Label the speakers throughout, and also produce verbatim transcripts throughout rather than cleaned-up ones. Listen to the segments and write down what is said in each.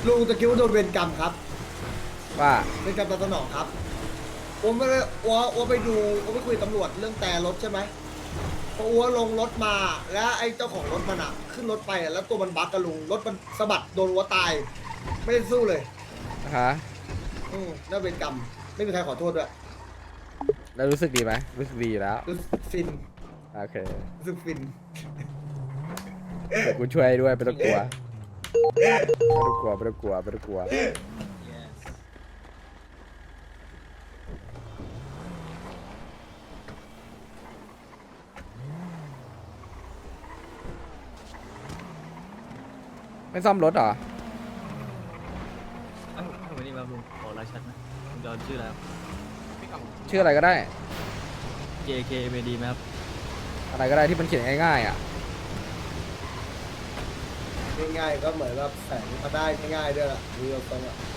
Speaker 1: ลุงจะคิดว่าโดนเวรกรรมครับ
Speaker 2: ว่า
Speaker 1: เวรกรรมตามสนองครับผมไม่ได้อัวอัวไปดูอัวไปคุยกับตำรวจเรื่องแต่รถใช่ไหมพออัวลงรถมาแล้วไอ้เจ้าของรถมันอะขึ้นรถไปอะแล้วตัวมันบั๊กกับลุงรถมันสะบัดโดนอัวตาย ไม่ได้สู้เลย
Speaker 2: ฮะ
Speaker 1: อืมนั่นเวรกรรมไม่มีใครขอโทษด้วย
Speaker 2: แล้วรู้สึกดีไหมรู้สึกดีอยู่แล้ว
Speaker 1: รู้สึกฟิน
Speaker 2: โอเค
Speaker 1: รู้สึกฟิน
Speaker 2: เดี๋ยวกูช่วยด้วยไม่ต้องกลัวไม่ต้องกลัวไม่ต้องกลัวไม่ต้องกลัวไม่ซ่อมรถเหรอ
Speaker 3: เอ้าทำไมนี่มาลุงขอรายชัดนะลุงจอนชื่ออะไรครับ
Speaker 2: ชื่ออะไรก็ได้
Speaker 3: J K M A D ไหมครับ
Speaker 2: อะไรก็ได้ที่มันเขียนง่ายๆอ่ะ
Speaker 1: ง่ายๆก็เหมือนแบบแสงมาได้ง่ายๆด้วยล่ะดูตรงๆอ่ะ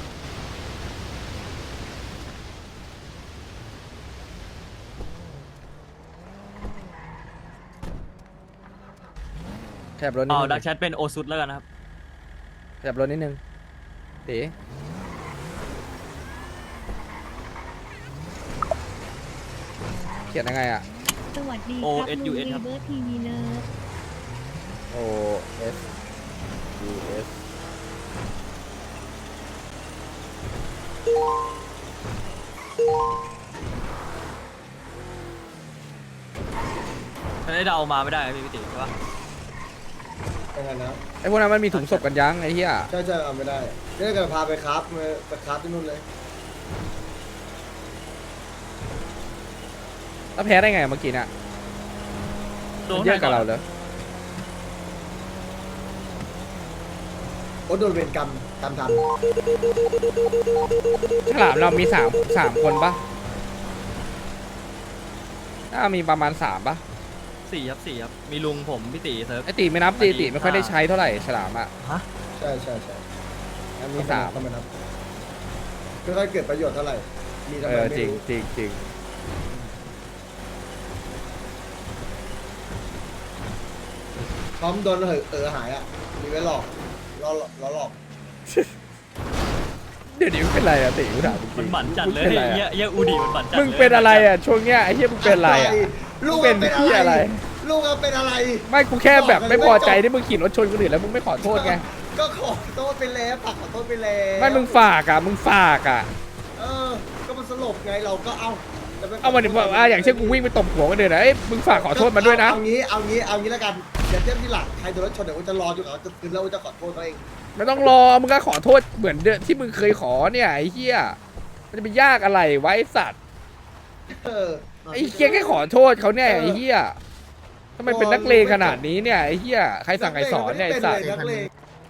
Speaker 2: แถบรถนิด
Speaker 3: อ๋อ
Speaker 2: นึง
Speaker 3: ดักแชทเป็นโอซุดแล้วกันนะครับ
Speaker 2: แถบรถนิดนึงตีเขียนยังไงอ่ะ
Speaker 4: สวัสดี
Speaker 3: โอ
Speaker 4: ครับ
Speaker 3: เอส ยู
Speaker 4: ลุง
Speaker 3: เอส
Speaker 4: รี
Speaker 3: ครับ
Speaker 4: เบิร์ทีวีเลิฟ
Speaker 2: O S U S
Speaker 3: ไม่ได้เดามาไม่ได้ครับพี่พิติใช่ปะ
Speaker 1: ยังไงนะ
Speaker 2: ไอพวกนั้นมันมีถุงศพกันยังไอ้เหี้ย
Speaker 1: ใช่ใช่เอาไม่ได้เดี๋ยวจะพาไปครับไปครับที่นู่นเลย
Speaker 2: แล้วแพ้ได้ไงเมื่อกี้น่ะ
Speaker 3: โด
Speaker 2: มัน นเยอะกับเราเลย
Speaker 1: โอ้โดนเวรกรรมกรรมท
Speaker 2: ฉลามเรามีสามสามคนปะน่ามีประมาณสามปะ
Speaker 3: สี่ครับสี่ครับ มีลุงผมพี่ติเซิร์ฟ
Speaker 2: ไอตีไม่นับตีตีไม่ค่อยได้ใช้เท่าไหร่ฉลามอ่ะ
Speaker 3: ฮะ
Speaker 1: ำใช่ใช่ใช่
Speaker 2: มีสาม
Speaker 1: ทำไมนับไม่ค่อยเกิดประโยชน์เท่าไหร่มีทำ
Speaker 2: เอ
Speaker 1: ไม
Speaker 2: อ
Speaker 1: ไม่
Speaker 2: จริง
Speaker 1: รู้
Speaker 2: จริงจริง
Speaker 1: พร้อมโดนเหอะเออหายอ่ะมีไว้หลอกล้อล้อหลอก
Speaker 2: เดี๋ยวนี้มึงเป็นไรอะตีกูถามจริงๆ
Speaker 3: มันหมันจัดเลย
Speaker 2: มึงเป็นอะไร
Speaker 3: เฮีย
Speaker 2: อะ
Speaker 3: เฮียอูดีมันหมันจัด
Speaker 2: มึงเป็นอะไรอะช่วงเนี้ยไอ้เหี้ยมึงเป็นอะไรอะ
Speaker 1: ลูก
Speaker 2: เป็น
Speaker 1: เป็น
Speaker 2: ที่
Speaker 1: อะ
Speaker 2: อะไร ไร
Speaker 1: ลูกเป็นอะไร
Speaker 2: ไม่กูแค่แบบไม่พอใจที่มึงขี่รถชนคนอื่นแล้วมึงไม่ขอโทษไง
Speaker 1: ก็ขอโทษไปแล้วปักขอโทษไปแล้ว
Speaker 2: ไม่มึงฝากอะมึงฝากอะ
Speaker 1: เออก็มันสลบไงเราก็เอาแต่ไ
Speaker 2: เอามาดิว่าอย่างเช่นกูวิ่งไปตบหัวกันเดือนนะเอ้ยมึงฝากขอโทษมาด้วยนะ
Speaker 1: เอางี้เอางี้เอางี้แล้วกันเดี๋ยวเทียบที่หลังใครโดนรถชนเดี๋ยวกูจะรอจนกว่าจะคืนแล้วกูจะขอโทษเขาเอง
Speaker 2: ไม่ต้องรอมึงก็ขอโทษเหมือนเดิมที่มึงเคยขอเนี่ยไอ้เหี้ยมันจะไปยากอะไรไวะไอ้สัตว์
Speaker 1: เออ
Speaker 2: ไอ้เหี้ยแค่ขอโทษเขาเนี่ยไอ้เหี้ยทำไมเป็นนักเลงขนาดนี้เนี่ยไอ้เหี้ยใครสั่งใครสอนเนี่ยไอ้สัตว์
Speaker 1: นักเลง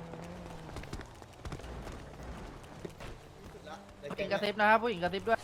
Speaker 5: ผู้หญิงกระซิบนะครับผู้หญิงกระซิบด้วย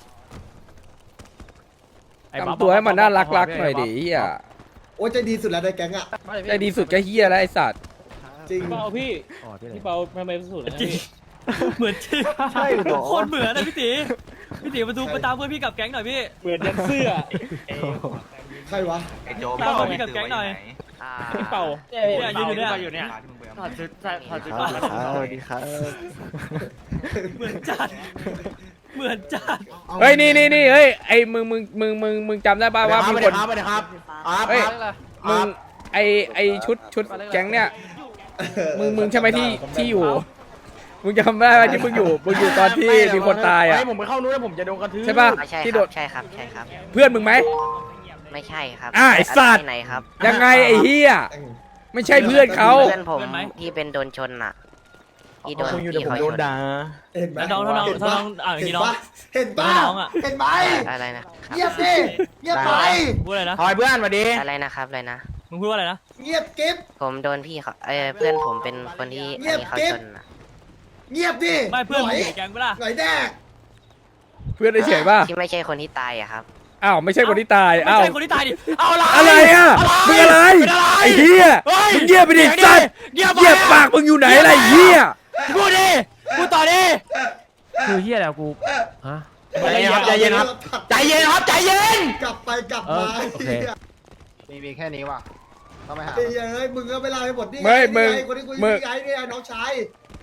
Speaker 3: ไอ้บ๊อบ
Speaker 2: ทำตัวให้มันน่ารักรักๆหน่อยดิไอ้เหี้ย
Speaker 1: โอ้ยใจดีสุดแล้วในแก๊งอ่ะ
Speaker 2: ใจดีสุดก็เหี้ยแล้วไอ้สัตว์
Speaker 1: จริง
Speaker 6: เปาพี่พี่เปาทำไมสุดนะ
Speaker 3: จริง
Speaker 6: พี่
Speaker 3: เหมือนจริง
Speaker 5: ใช่เหรอ
Speaker 3: โคตรเหมือนนะพี่ติพี่ติมาดูไปตามเพื่อนพี่กับแก๊งหน่อยพี่
Speaker 6: เหมือนยันเสื้อ
Speaker 1: ใครวะ
Speaker 7: ไอ้โจ
Speaker 3: ตามเพื่อนพี่กับแก๊งหน่อย
Speaker 6: พี่เปา
Speaker 3: เนี่ยยืนอยู่เนี่ย
Speaker 7: อยู่เนี่ย
Speaker 5: ถอดชุดใส่ถอดชุด
Speaker 7: ครับ
Speaker 5: ก่อน
Speaker 7: สวัสดีครับ
Speaker 3: เหมือนจัดเหมือนจัด
Speaker 2: เฮ้ยนี่นี่นี่เฮ้ยไอ้มึงมึงมึงมึงมึงจำได้ป่าวว่ามีคน
Speaker 7: สวัสดีครับ
Speaker 2: เฮ้ยมึงไอไอชุดชุดแก๊งเนี่ยมึงมึงใช่ไหมที่ที่อยู่มึงจำได้ไหมที่มึงอยู่มึงอยู่ตอนที่มีคนตายอ่ะ
Speaker 5: ให้ผมไปเข้านู้นแล้วผมจะโดนกระทืบ
Speaker 2: ใช่ป่ะ
Speaker 8: ใช่
Speaker 2: ที่
Speaker 8: ค
Speaker 2: โด
Speaker 8: รับ
Speaker 2: ด
Speaker 8: ใช่ครับใช่ครับ
Speaker 2: เพื่อนมึงไหม
Speaker 8: ไม่ใช่ครับ
Speaker 2: อ่ะไอ้สัตว์
Speaker 8: ที่ไหนครับ
Speaker 2: ยังไงไอ้เฮียไม่ใช่เพื่อนเขา
Speaker 8: เพื่อนผมที่เป็นโดนชนน่ะที่โดนที่เขาชน
Speaker 1: เห็นไหม
Speaker 3: แล้วน้องถ้าน้องถ้าน้องอ่านอย่าง
Speaker 1: เห็น
Speaker 3: นี้น้อง
Speaker 1: ปะเห็นปะ
Speaker 3: น้องอะ
Speaker 1: เห็นไหม
Speaker 8: อะไรนะ
Speaker 1: เงียบดิเงียบไป
Speaker 3: พูดอะไรนะ
Speaker 5: คอยเพื่อนมาดิ
Speaker 8: อะไรนะครับอะไรนะ
Speaker 3: มึงพูดว่าอะไรนะ
Speaker 1: เงียบกิ๊บ
Speaker 8: ผมโดนพี่เขาเออเพื่อนผมเป็นคนที่อันนี้เขาชนน่ะ
Speaker 1: เงียบดิ
Speaker 3: ไม่เพื่อน
Speaker 1: ห
Speaker 3: มึ
Speaker 1: น่
Speaker 3: ง
Speaker 1: อย
Speaker 3: อยู่ในแก๊งปะล่ะ
Speaker 1: หน่อยแดก
Speaker 2: เพื่อนเฉยๆป่ะ
Speaker 8: ที่ไม่ใช่คนที่ตายอะครับ
Speaker 2: อ้าวไม่ใช่คนที่ตาย
Speaker 3: ไม่
Speaker 2: อ้าว
Speaker 3: ใช่คนที่ตายดิเอาละ
Speaker 2: อะไรอ่ะมึงอะไรไอ้เฮียมึงเงียบไปดิสัตว์เงียบปากมึงอยู่ไหนอะไรเฮีย
Speaker 3: พูดดิพูดต่อดิ
Speaker 5: คือเฮียแล้วกูฮะ
Speaker 1: ใจเย็นครับ
Speaker 5: ใจเย็นครับใจเย็น
Speaker 1: กลับไปกลับมา
Speaker 5: เออโอเค
Speaker 7: มีมีแค่นี้ว่ะต้องไปหา
Speaker 1: ไอ้เหี้ยเฮ้ยมึงก็ไม่เล่าให้หมดนี่
Speaker 2: ไม่มึง
Speaker 1: ไงคนที่กู
Speaker 2: มึง
Speaker 1: นี่ไงนี่ไงน้องชาย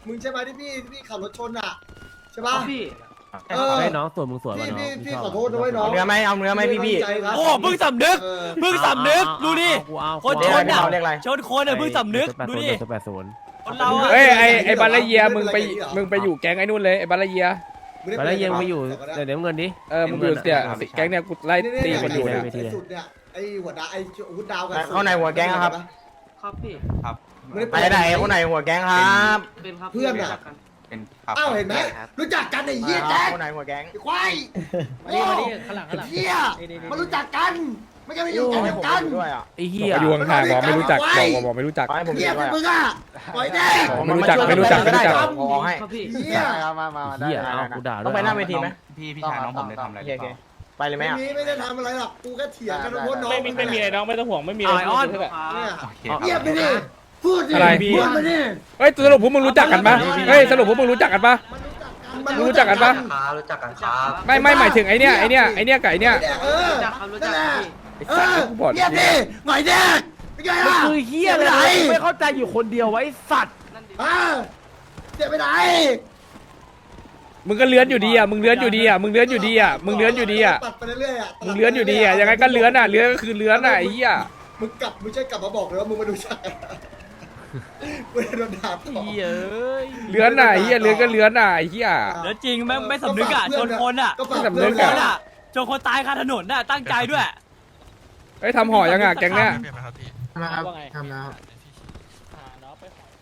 Speaker 1: มึงใช่ไหมที่พี่ที่พี่ขับรถชนอ่ะใช่ปะ
Speaker 3: พี่
Speaker 1: เออ
Speaker 5: ให้น้องส่วนมึงส่วน
Speaker 1: พี่
Speaker 5: วะน้อง
Speaker 1: พี่พี่
Speaker 5: ชบ
Speaker 1: ขอโทษด้วยน้อง
Speaker 4: เอาเนื้อไหมเอาเนื้อไหมพี่พี่
Speaker 1: ตั้งใจครับ
Speaker 3: โอ้เพิ่งสำนึก
Speaker 1: เออ
Speaker 3: เพิ่งสำนึกดูดิ
Speaker 5: กูเอา
Speaker 3: คน
Speaker 5: กู
Speaker 3: ช
Speaker 5: เอา
Speaker 3: นอ่ะ
Speaker 4: เรียกอะไร
Speaker 3: ชนคนอ่ะเพิ่งสำนึกดูดิ
Speaker 5: แปดศูนย์
Speaker 3: คนเราอ่ะ
Speaker 2: เฮ้ยไอไอบาลาเยียมึงไปมึงไปอยู่แก๊งไอ้นู่นเลยไอบาลาเยีย
Speaker 5: ไปแล้วยังไปอยู่เดี๋ยวเดี๋ยวเงินดิ
Speaker 2: เออมึงอยู่เนี่ยแก๊งเนี่ยกูไล่ตีคนอยู่
Speaker 1: เนี่
Speaker 2: เนี่ย ย
Speaker 1: ไอ้สุดเนี่ยไอ้หัวดาไอ้หัวดาวกัน
Speaker 4: เข้าในหัวแก๊งครับ
Speaker 3: ครับพี่
Speaker 4: ไปไหนคนไหนหัวแก๊งครับ
Speaker 3: เป็นครับ
Speaker 1: เพื่อนอ่ะอ้าวเห็นไหมรู้จักกันไอ้เหี้ยแจ๊ค
Speaker 4: คนไหนหัวแก๊ง
Speaker 1: ไอ้ควาย
Speaker 6: มาดิมาดิข้างหลังข้างหลัง
Speaker 1: เหี้ยมารู้จักกันไม่ใช่ไม่อยู่แก๊งเดียวกัน
Speaker 4: ด้วยอ่ะ
Speaker 5: ไอ้
Speaker 2: บ
Speaker 5: เหี้
Speaker 2: อก
Speaker 5: ย
Speaker 2: ไปอยู่ห่างๆบอกไม่รู้จักบอกบอกไม่รู้จัก
Speaker 4: ขอให้ผม
Speaker 1: เหี้ย
Speaker 4: ด้วย
Speaker 1: มึงอ่ะปล่อยแน่
Speaker 2: ไม่รู้จักไม่รู้จักไม่รู้จัก
Speaker 4: ขอให้
Speaker 3: ครับพี่
Speaker 1: เหี้ย
Speaker 4: มามามาได้
Speaker 5: เหี้ยเอากูด่าด้วย
Speaker 4: ต้องไปหน้าเวทีไหม
Speaker 7: พี่พี่ชายน้องผมได้ทำอะไร
Speaker 4: โอ
Speaker 7: ห
Speaker 4: เค
Speaker 7: รือ
Speaker 4: โอ
Speaker 7: เป
Speaker 4: เค
Speaker 7: ล่า
Speaker 4: ไปเลยไหม
Speaker 1: ไม่
Speaker 4: อ่ะ
Speaker 1: มีไม่ได้ทำอะไรหรอกกูแค่เถียงกันว่าน้อง
Speaker 6: ไม่มีไม่มีอะไรน้องไม่ต้องห่วงไม่มีอะ
Speaker 3: ไอ
Speaker 6: ไร
Speaker 3: ออน
Speaker 6: ใช่ไหม
Speaker 1: เนี่ย
Speaker 7: โอเค
Speaker 1: เงียบไปดิพูดดิ
Speaker 2: อะไร
Speaker 1: พูดมาดิ
Speaker 2: เฮ้ยสรุปพวกมึงรู้จักกันปะเฮ้ยสรุปพวกมึงรู้จักกันปะ
Speaker 1: มัน
Speaker 2: รู้จักกันปะ
Speaker 8: รู้จักกันครับ
Speaker 2: ไม่ไม่หมายถึงไอเนี้ยไอเนี้ยไอเนี้ยกับไอเนี้ย
Speaker 1: เออ
Speaker 3: รู้จักครับรู้จักครับพี่
Speaker 2: ไอ้สัตว์กูบอก
Speaker 1: เงียบดิหน่อยเด็กเป็นไง
Speaker 5: มัน
Speaker 1: ล่ะ
Speaker 5: คือเหี้ยเลยนะไม่เข้าใจอยู่คนเดียวไว้สัตว์
Speaker 1: อ่าเจ็บไปไหน
Speaker 2: มึงก็เลื้อนอยู่ดีอ่ะมึงเลื้อนอยู่ดีอ่ะมึงเลื้อนอยู่ดีอ่ะมึงเลื้อนอยู่ดีอ่ะ
Speaker 1: ตัดไปเรื่อยๆอ่ะ
Speaker 2: มึงเลื้อนอยู่ดีอ่ะยังไงก็เลื้อนอ่ะเลื้อนก็คือเลื้อนอ่ะไอ้เหี้ย
Speaker 1: มึงกลับมึงใช่กลับมาบอกเลยว่ามึงมาดูฉากมึงโดนด่าต่อ
Speaker 5: เหี้ยเอ้ย
Speaker 2: เลื้อนอ่ะไอ้เหี้ยเลื้อนก็เลื้อนอ่ะไอ้เหี้ย
Speaker 3: เดี๋ยวจริงไม่ไม่สำนึกอ่ะชนคนอ่ะ
Speaker 1: ก็ฝาก
Speaker 2: ไม่สำนึ
Speaker 1: เพื่อก น
Speaker 3: ค
Speaker 2: อะ
Speaker 3: นอ่ะชนคนตายคาถนนน่ะตั้งใจด้วย
Speaker 2: เฮ้ยทำห่อยังอ่ะแก๊งเนี้ย
Speaker 6: ว่าไง
Speaker 1: ทำแล้ว
Speaker 6: หาน้องไปขอ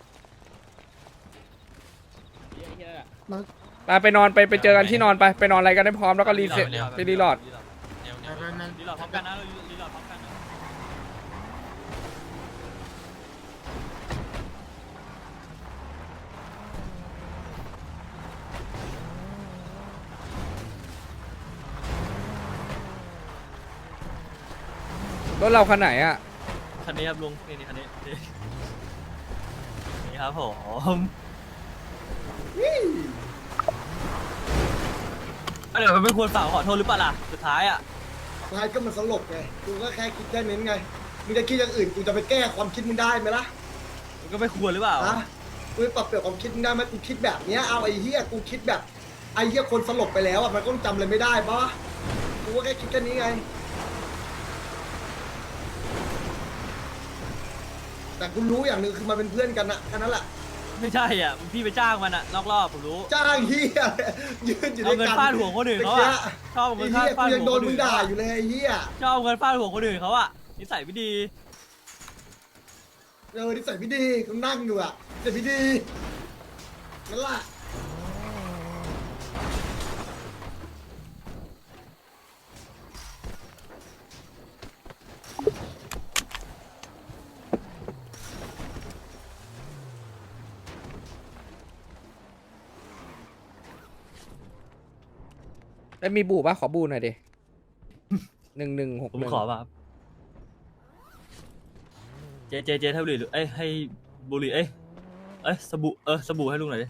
Speaker 6: เหี้ยเหี้ยน่ะ
Speaker 2: ไปไปนอนไปไปเจอกันที่นอนไปไปนอนอะไรกันให้พร้อมแล้วก็รีเซ็ตไปรีโหลด
Speaker 3: รีโหลดพร้อมกันนะรีโหลดพร้อมกันนะ
Speaker 2: รถเราคันไหนอ่ะ
Speaker 3: คันนี้ครับลุงนี่นี่คันนี้นี่นี่ครับผมเดี๋ยวมันไม่ควรฝากขอโทษหรือเปล่าล่ะสุดท้ายอ่ะ
Speaker 1: สุดท้ายก็มันสลบไงกูก็แค่คิดแค่นั้นไงมึงจะคิดอย่างอื่นกูจะไปแก้ความคิดมึงได้ไหมล่ะ
Speaker 3: มันก็ไม่ควรหรือเปล่า
Speaker 1: ฮะกูปรับเปลี่ยนความคิดมึงได้ไหมกูคิดแบบเนี้ยเอาไอ้เหี้ยกูคิดแบบไอ้เหี้ยคนสลบไปแล้วอ่ะมันก็จำอะไรไม่ได้ปะกูก็แค่คิดแค่นี้ไงแต่กูรู้อย่างหนึ่งคือมันเป็นเพื่อนกันนะแค่นั้นแหละ
Speaker 3: ไม่ใช่อ่ะพี่ไปจ้างมันอ่ะนอกรอบผมรู้
Speaker 1: จ้างเหี้ยยืนอยู่ด้
Speaker 3: เอา
Speaker 1: วย
Speaker 3: เงิน
Speaker 1: กัน
Speaker 3: ฟาดหัวคนอื่นเขาอ่ะชอบเอา
Speaker 1: ไอ้
Speaker 3: เงิน
Speaker 1: เหี้ย
Speaker 3: ฟาด
Speaker 1: กูยัง
Speaker 3: หั
Speaker 1: โด
Speaker 3: วน คน
Speaker 1: มึ
Speaker 3: อื่
Speaker 1: ง
Speaker 3: น
Speaker 1: ด่าอยู่เลยไอ้เหี้ย
Speaker 3: ชอบเอาเงินฟาดหัวคนอื่นเขาอ่ะนิสัยไม่ดี
Speaker 1: เออนิสัยไม่ดีกูนั่งอยู่อ่ะนิสัยไม่ดีนั่นแหละ
Speaker 2: แล้วมีบูป่ะขอบูหน่อยดิหนึ่งหนึ่งหก
Speaker 3: ผม
Speaker 2: หนึ่ง
Speaker 3: ขอมาครับเจเจเจให้บุหรี่หรือเอ้ยให้บุหรี่เอ้ยเอ้ยสบู่เออสบู่ให้ลุงหน่อยดิ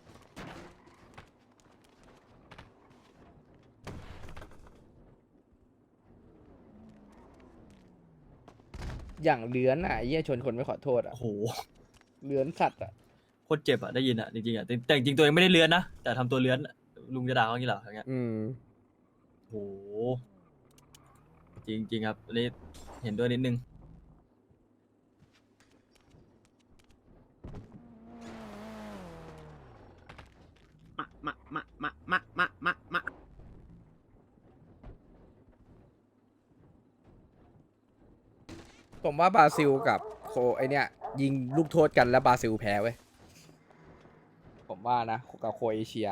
Speaker 2: อย่างเลื้อนอ่ะไอ้เหี้ยชนคนไม่ขอโทษอ่ะ
Speaker 3: โอ้โห
Speaker 2: เลื้อนสัตว์อ่ะ
Speaker 3: โคตรเจ็บอ่ะได้ยินอ่ะจริงๆอ่ะแต่แต่จริงๆตัวเองไม่ได้เลื้อนนะแต่ทำตัวเลื้อนอะลุงจะด่าเขาอย่างนี้เหรออย่างเงี้ย
Speaker 2: อืม
Speaker 3: โอ้โหจริงจริงๆครับอันนี้เห็นด้วยนิดนึง
Speaker 5: มามามามามามามามา
Speaker 2: ผมว่าบราซิลกับโคไอเนี้ยยิงลูกโทษกันแล้วบราซิลแพ้เว้ยผมว่านะกับโครเอเชีย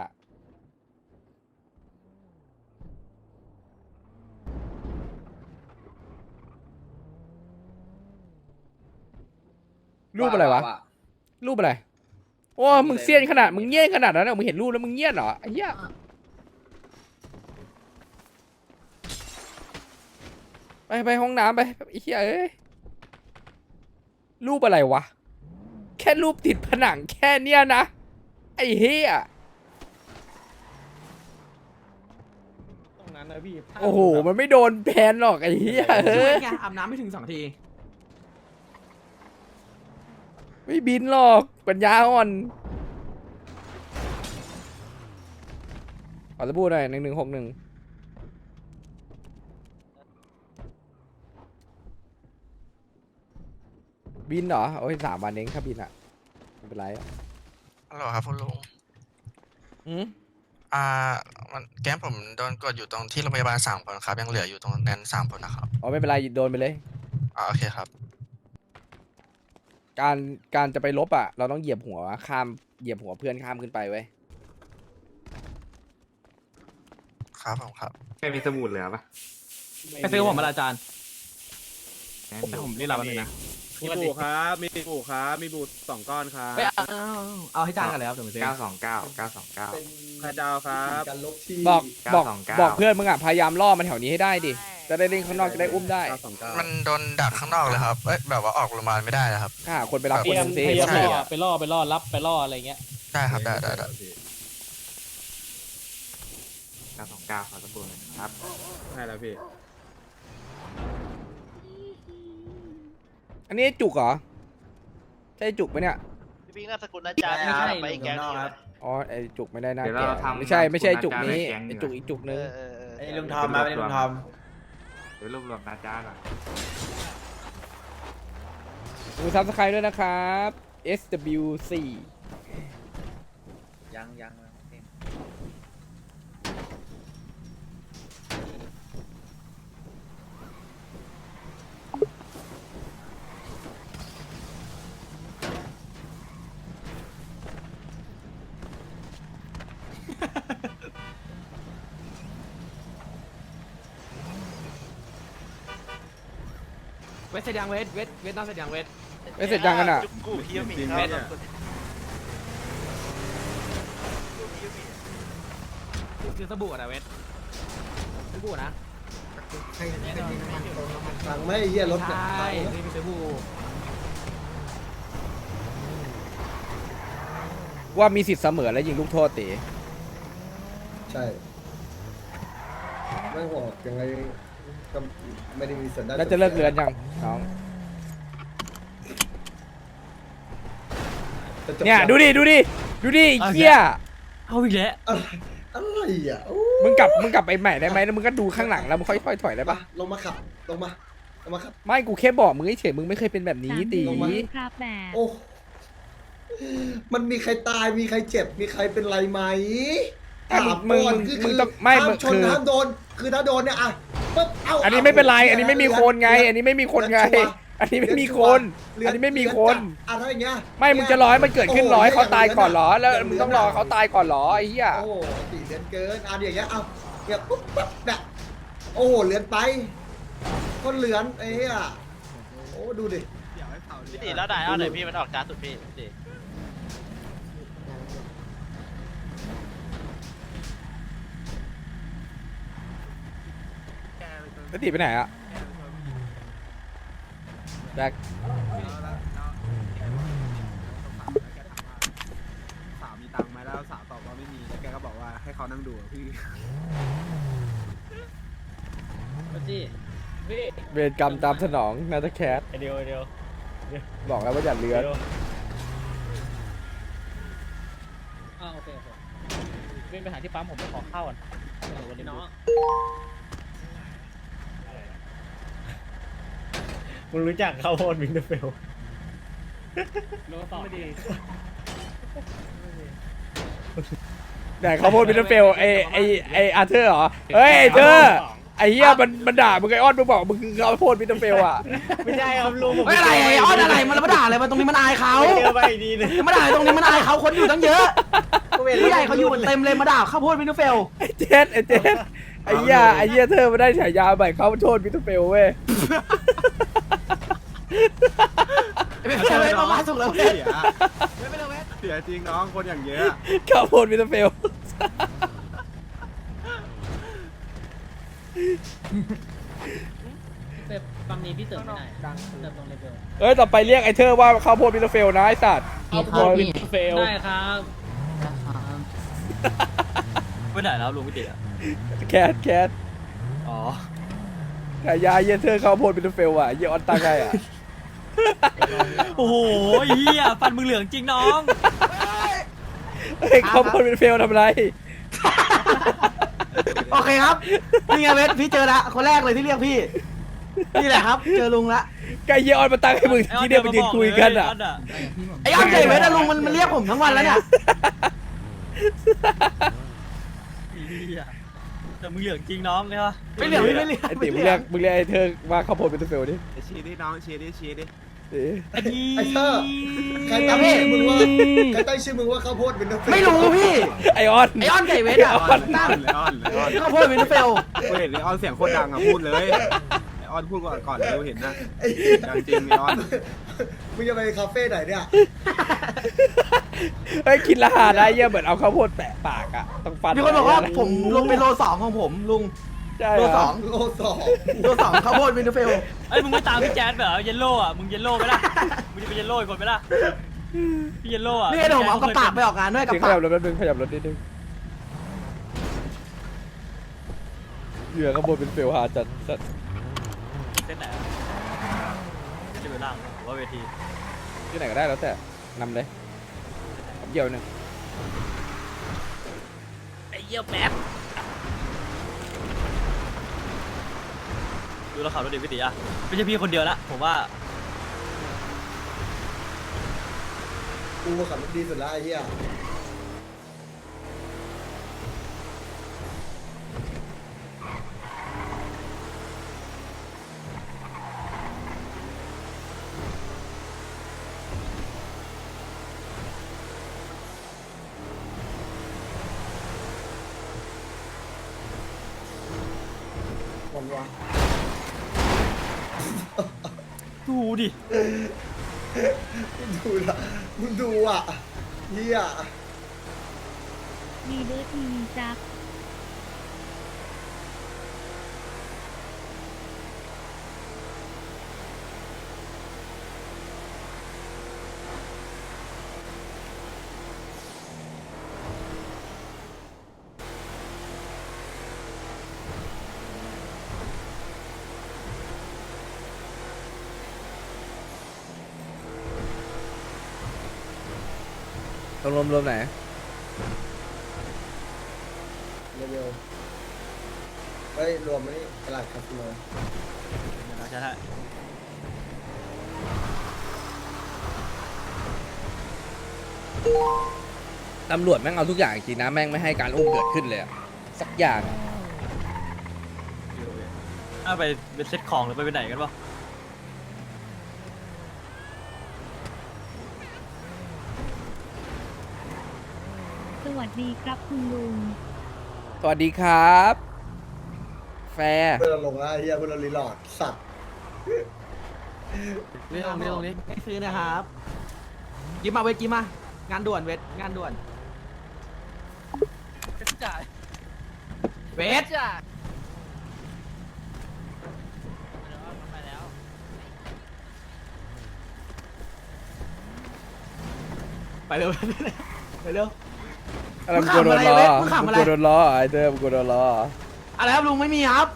Speaker 2: รูปอะไรวะรูปอะไรโอ้มึงเซียนขนาดมึงเงี้ยนขนาดนั้นเหรอมึงเห็นรูปแล้วมึงเงี้ยนเหรอไอ้เหี้ยไปไปห้องน้ำไปไอ้เหี้ยเอ้ยรูปอะไรวะแค่รูปติดผนังแค่เนี้ยนะไอ้เหี้ย
Speaker 6: ตรงนั้นนะพี่
Speaker 2: โอ้โหมันไม่โดนแพนหรอกไอ้เหี้ยเอ้ย
Speaker 5: ไงอาบน้ำไม่ถึงสองที
Speaker 2: ไม่บินหรอกปัญญาอ่อนขอสบู่หน่อยหนึ่งหนึ่งหกหนึ่งบินเหรอโอ้ยสามวันเองถ้าบินอะไม่เป็นไรอะ
Speaker 7: ฮัลโหลครับคุณลุง
Speaker 2: อืม
Speaker 7: อ่ามันแก๊งผมโดนกดอยู่ตรงที่โรงพยาบาลสามคนครับ ยังเหลืออยู่ตรงนั้นสามคนนะครับ
Speaker 2: อ๋อไม่เป็นไรโดนไปเลย
Speaker 7: อ่าโอเคครับ
Speaker 2: การการจะไปลบอะเราต้องเหยียบหัวข้ามเหยียบหัวเพื่อนข้ามขึ้นไปเว้ย
Speaker 7: ครับผมครับ
Speaker 4: ไม่มีสมุดเหลือปะ
Speaker 3: ไปซื้อผมมาละอาจารย์แต่ผมรีบรับมันเลยนะ
Speaker 5: มีบูครับมีบูครับมีบูสองก้อนครับ
Speaker 3: ไปเอาเอาให้จานกันแล้วเดี๋ยวผมซื้อ
Speaker 4: เก้าสองเก้าเก้าสองเก้า
Speaker 1: เป็น
Speaker 5: ใครจะเอาครับ
Speaker 1: การลบที่
Speaker 2: บอกบอก
Speaker 4: เก้าสองเก้า
Speaker 2: บอกเพื่อนมึงอะพยายามล่อมันแถวนี้ให้ได้ดิจะได้เล่นข้างนอกจะได้อุ้มได้
Speaker 5: เก้าสองเก้า
Speaker 7: มันโดนดักข้างนอกเลยครับ เอ้ยแบบว่าออกโรงพยาบาลไม่ได้เลยครับ
Speaker 2: ถ้าหาคนไปรับ
Speaker 6: พ
Speaker 2: คน
Speaker 6: ยายา
Speaker 2: ห
Speaker 6: ม
Speaker 2: นึงสิ
Speaker 6: พยายาม
Speaker 7: ใช่
Speaker 6: ล่อไปล่อไปล่อรับไปล่ออะไรเงี้ย
Speaker 7: ได้ครับได้ได้ได้
Speaker 4: เก้าสองเก้าขอสบู่หน่อยครับ
Speaker 5: ใช่แล้วพี่
Speaker 2: อันนี้จุกเหรอใช่จุกไหมเนี่ย
Speaker 9: พี่พิงค์นามสกุลอาจารย์ไม่ใช่ไปอีกแก๊งหนึงนะ
Speaker 2: อ๋อไอจุกไม่ได้น่า
Speaker 4: เดี๋ยว
Speaker 2: แก่
Speaker 4: เราทำ
Speaker 2: ไม่ใช่ไม่ใช่จุกนี้
Speaker 4: แก๊ง
Speaker 2: ไอ
Speaker 4: ดีกว่า
Speaker 2: จุกอีกจุก
Speaker 9: เอ
Speaker 2: นึง
Speaker 9: อเออเออ
Speaker 4: ไอ้ลุงทอมมาไอ้ลุงทอมเดี๋ยวรวบรวมนาจ้าก่อน
Speaker 2: ดูซับสไครต์ด้วยนะครับ เอส ดับเบิลยู ซี
Speaker 9: ยังยัง
Speaker 3: เวทเสร็จยังเวทเวทเวทนอกเสร็จยังเวท
Speaker 2: ไม่เสร็จยังกันอ่ะ
Speaker 9: จุกกูฮิวมีครับ
Speaker 3: คือสบู่อะนะเวทสบู่นะ
Speaker 1: สั่งไม่ให้เหี้ยรถ
Speaker 3: ใช
Speaker 1: เนี่ย่
Speaker 3: นี่คือสบู่
Speaker 2: ว่ามีสิทธิ์เสมอและยิงลูกโทษตี
Speaker 1: ใช่ไม่ห่วงยังไงก็ไม่ได้มีสัญญาณ
Speaker 2: แล้วจะเลิกเรือนยังน้อง
Speaker 1: จะจบ
Speaker 2: เนี่ย
Speaker 1: แล้ว
Speaker 2: ดูดิดูดิดูดิไอ้เหี้ย
Speaker 3: เอาอีกแล้ว
Speaker 1: อะไรอะไรอ่ะโอ้
Speaker 2: มึงกลับมึงกลับไปใหม่ได้ไหมแล้วมึงก็ดูข้างหลังแล้วมึงค่อยๆถอยได้
Speaker 1: มา
Speaker 2: ปะ
Speaker 1: ลงมาขับลงมาลงมาขับ
Speaker 2: ไม่กูแค่บอกมึงเฉยๆมึงไม่เคยเป็นแบบนี้ตี
Speaker 1: ลงมา
Speaker 10: ครับแบบ
Speaker 1: โอ้มันมีใครตายมีใครเจ็บมีใครเป็นไรไหม
Speaker 2: อ่ะมึงมึง
Speaker 1: ก่อน
Speaker 2: มึง
Speaker 1: คือ
Speaker 2: มึง
Speaker 1: คือ
Speaker 2: ต้องไม่
Speaker 1: ห้า
Speaker 2: มึ
Speaker 1: ม
Speaker 2: ง
Speaker 1: ชน
Speaker 2: คือ
Speaker 1: ห้ามโดนคือถ้าโดนเนี่ยอ่ะปึ๊บเา
Speaker 2: อันนี้ไม่เป็นไรอันนี้ไม่มีคนไง อันนี้ไม่มีคนไง อันนี้ไม่มีคน อันนี้ไม่มีคน
Speaker 1: อ่ะถ้าอย่างเงี้ย
Speaker 2: ไม่มึงจะรอให้มันเกิดขึ้นรอให้เขาตายก่อนเหรอแล้วมึงต้องรอเขาตายก่อนเหรอไอ้เหี้ย
Speaker 1: โอ้โหตีเลือนเกินอ่ะอย่างเงี้ยเอาเนี่ยปุ๊บปั๊บเนี่ยโอ้โหเลือนไปคนเหลือนไอ้เหี้ยโอ้ดูดิ
Speaker 9: พี่ตีแล้วได้เอาหน่อยพี่มันออกจ้าสุดพี่พี่ตี
Speaker 2: แล้วตีไปไหนอะแจ็ค
Speaker 5: สาวมีตังค์ไหมแล้วสาวตอบว่าไม่มีแล้วแกก็บอกว่าให้เขานั่งดูอะพี่
Speaker 6: มาจี้พี่
Speaker 2: เวรกรรมตามสนองนาตาแคท
Speaker 6: ไอเดียวไอเดียว
Speaker 2: บอกแล้วว่าอย่าเลือน
Speaker 6: อ้าวโอเคโอเคเป็นไปหาที่ปั๊มผมไปขอข้าวก่อนเดี๋ยววันนี้น้อง
Speaker 4: มึงรู้จักข้าวโพดมิงเดอร์เฟล
Speaker 6: โน้ตต่อไม่ดี
Speaker 2: แต่เขาพูดมิสเตอร์เฟลไอไอไออาร์เธอร์เหรอเฮ้ยไอเธอร์ไอเหี้ยมันมันด่ามึงไอออนมึงบอกมึงคือเขาพูดมิสเตอร์เฟลอ่ะ
Speaker 4: ไม่ใช่ครับลุงผม
Speaker 3: ไม่อะไรไอ้ออนอะไรมันมาด่าอะไรมาตรงนี้มันอายเขา
Speaker 4: เจอไปอีกทีนึง
Speaker 3: มาด่าตรงนี้มันอายเขาคนอยู่ตั้งเยอะผู้ใหญ่เขาอยู่เต็มเลยมาด่าข้าวโพดมินเฟล
Speaker 2: ไอเจสไอเจสไอเหี้ยไอเหี้ยเธอมาได้ฉายาใหม่เขาโทษมิสเตอร์เฟลเว้ย
Speaker 3: ไม่ใช่เลยประมาณสุกแล้ว
Speaker 5: เสียเสียจริงน้องคนอย่างเยอะ
Speaker 2: เขาโทษมิสเตอร์เฟล
Speaker 6: เติมปั๊มนี้พี่เติมไม่ได้เติมตรงเลเวล
Speaker 2: เอ้ยต่อไปเรียกไอเธอว่าเขาโทษมิสเตอร์เฟลนะไอสัตว์
Speaker 6: เอาโควิดเฟลได้ครับ
Speaker 3: ไปไหนแล้วลุงพี่ติ๋อะ
Speaker 2: แคทแคท
Speaker 3: อ๋อ
Speaker 2: ฉายาเหี้ยเธอเขาโทษมิสเตอร์เฟลอ่ะเหี้ยออนตาไงอ่ะ
Speaker 3: โอ้โหเฮียฟันมึงเหลืองจริงน้อง
Speaker 2: เฮ้ยเขาโทษมิสเตอร์เฟลทำไร
Speaker 10: โอเคครับนี่ไงเวทพี่เจอละคนแรกเลยที่เรียกพี่นี่แหละครับเจอลุงละ
Speaker 2: ไก่เหี้ยออนมาตั้งให้มึงที่เดียวไปยืนคุยกันอ่ะ
Speaker 10: ไอ้อ้อนเจอเวทอะลุงมันมันเรียกผมทั้งวันแล้วเนี่ย
Speaker 3: แต่มึงเหลืองจริงน้องใช่ปะ
Speaker 10: ไม่เหลือไม่เหลือ
Speaker 2: ไอ้ติ๋มมึงเรียกมึงเรียกไอ้เธอว่าข้าวโพดเป็นตัวเฟลดิ
Speaker 5: ชี้ดิน้องชี้ดิชี้ดิ
Speaker 2: เอ๊ะ
Speaker 1: ไอ้เธอใครตั้งชื่อมึงว่าใครตั้งชื่อมึงว่าข้าวโพดเป็นน้ำ
Speaker 10: ไม่รู้พี่
Speaker 2: ไอออน
Speaker 10: ไอออนไก่เวทอะ
Speaker 5: ออนเลยออนเลยออน
Speaker 10: ข้าวโพดวินเฟล
Speaker 5: กูเห็นเลยออนเสียงโคตรดังอ่ะพูดเลยไอออนพูดก่อนก่อนเลยกูเห็นนะ
Speaker 1: ไอ้
Speaker 5: ดังจริงไอออน
Speaker 1: มึงจะไปคาเฟ่ไหนเนี่ย
Speaker 2: ไอ้ยกินละหาได้เยี่ยเหมือนเอาข้าวโพดแปะปากอ่ะต้องฟัน
Speaker 10: มีคนบอกว่าผมลงเป็นโลสองของผมลุง
Speaker 2: ใช่
Speaker 10: โล
Speaker 2: เหร
Speaker 10: ส
Speaker 2: อ
Speaker 10: อง
Speaker 1: โลสอง
Speaker 10: โลสองข้าวโพดวินเฟล
Speaker 3: ไอ้ยมึงไม่ตามพี่แจ๊ดเหรอเยลโล่อะมึงเยลโล่ไหมล่ะมึงจะเป็นเยลโล่อีกคนไหมล่ะพี่เยลโล่อะ
Speaker 10: นี่ไอ้ผมเอากระปากไปออกงานด้วยกระ
Speaker 2: เดี๋ยวข
Speaker 10: ปา
Speaker 2: ยั
Speaker 10: ก
Speaker 2: บรถแป๊บนึงขยับรถนิดนึงเหยื่อข้าวโพดเป็นเฟลหาจัดจัด
Speaker 3: เส้นไหนจะไปล่างหรือว่าเวที
Speaker 2: ที่ไหนก็ได้แล้วแต่นำเลยเยี่ยวหนึ่ง
Speaker 3: ไอ้เยี่ยวแป๊บดูแล้วขับรถดีพี่ตีอะไม่ใช่พี่คนเดียวละผมว่า
Speaker 1: กูขับรถดีสุดแล้วไอ้เหี้ย คนวะ
Speaker 3: ดูดิ
Speaker 1: ดูละมึงดูอ่ะเฮีย
Speaker 11: ดีเดอร์ทีวีจัก
Speaker 2: ต้องรวมรวมไหน
Speaker 1: เร็วๆเฮ้ยรวมไหมนี่ตลาดคาสิโน
Speaker 3: เดี๋ยวนะใช่ใช่
Speaker 2: ตำรวจแม่งเอาทุกอย่างจริงนะแม่งไม่ให้การอุ้มเกิดขึ้นเลยอะสักอย่างอะ
Speaker 3: ถ้าไปเป็นเซ็ตของหรือไปไปไหนกันปะ
Speaker 11: สวัสดีครับคุณลุง
Speaker 2: สวัสดีครับ แฟร์
Speaker 1: เพื่อนเราลงแล้วไอ้เฮียเพื่อนเรารีโหลดสัตว์
Speaker 10: นี่ตรงนี้ตรงนี้ไม่ซื้อนะครับยิ้มมาเวทยิ้มมางานด่วนเวทงานด่วนเวท ไปเร็วไปเร็ว
Speaker 2: อะไรมึงกลัวโดนล้อ
Speaker 10: มึงขำ
Speaker 2: มึ
Speaker 10: อะ
Speaker 2: ง
Speaker 10: ไร
Speaker 2: กลัวโดนล้อไอ้เธอมึงกลัวโดนล้อ
Speaker 10: อะไรครับลุงไม่มีครับ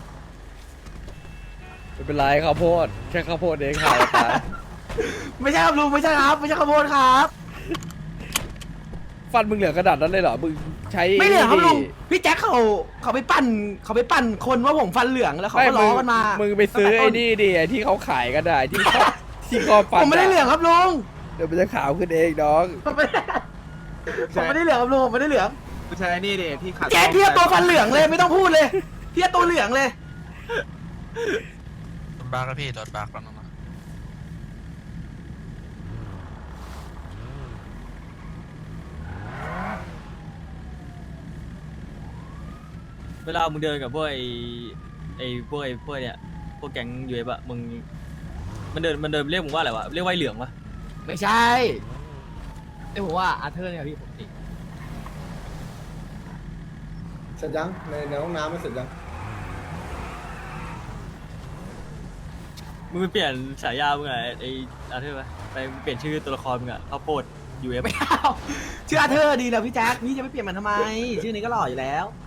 Speaker 2: ไม่เป็นไรข้าวโพดแค่ข้าวโพดเองขายตาย
Speaker 10: ไม่ใช่ครับลุงไม่ใช่ครับ ไม่ใช่ข้าวโพดครับ
Speaker 2: ฟันมึงเหลือกระดาษนั้นเลยเหรอมึงใช้
Speaker 10: ไม่เหลืองครับลุง
Speaker 2: นี่
Speaker 10: พี่แจ็คเขาเขาไปปั่นเขาไปปั่นคนว่าผมฟันเหลืองแล้วเขา
Speaker 2: ไม่
Speaker 10: ก็ล้อกันมา
Speaker 2: มึงไปซื้อไอ้นี่ดิไอ้ที่เขาขายกันได้ที่เขาที่คอฟัน
Speaker 10: ผมไม่ได้เหลืองครับลุง
Speaker 2: เดี๋ยวมันจะขาวขึ้นเองน้อง
Speaker 10: ผมไม่ได้ผมไม่ได้เหลืองครับลุงผมไม่ได้เหลือง
Speaker 5: กูใช้นี่ดิที่ขัด
Speaker 10: แจ็คเทียบตัวฟันเหลืองเลยไม่ต้องพูดเลยเทียบตัวเหลืองเลย
Speaker 7: รถบักแล้วพี่รถบักแล้วนะ
Speaker 3: เวลามึงเดินกับพวกไอ้ไอ้พวกไอ้พวกเนี่ยพวกแก๊งยูเอฟอะมึงมันเดินมันเดินเรียกมึงว่าอะไรวะเรียกว่าไอ้เหลืองปะ
Speaker 10: ไม่ใช่ไอ้ผมว่าอาเธอร์เนี่ยพี่ผมติ
Speaker 1: เสร็จยังในในห้องน้ำไม่เสร็จยัง
Speaker 3: มึงไปเปลี่ยนฉายามึงอะไอ้อาเธอร์ปะไปเปลี่ยนชื่อตัวละครมึงอะข้าวโพดยูเอฟ
Speaker 10: ไม่เอาชื่ออาเธอร์ดีนะพี่แจ็คพี่จะไม่เปลี่ยนมันทำไม ชื่อนี้ก็หล่ออยู่แล้ว
Speaker 3: เ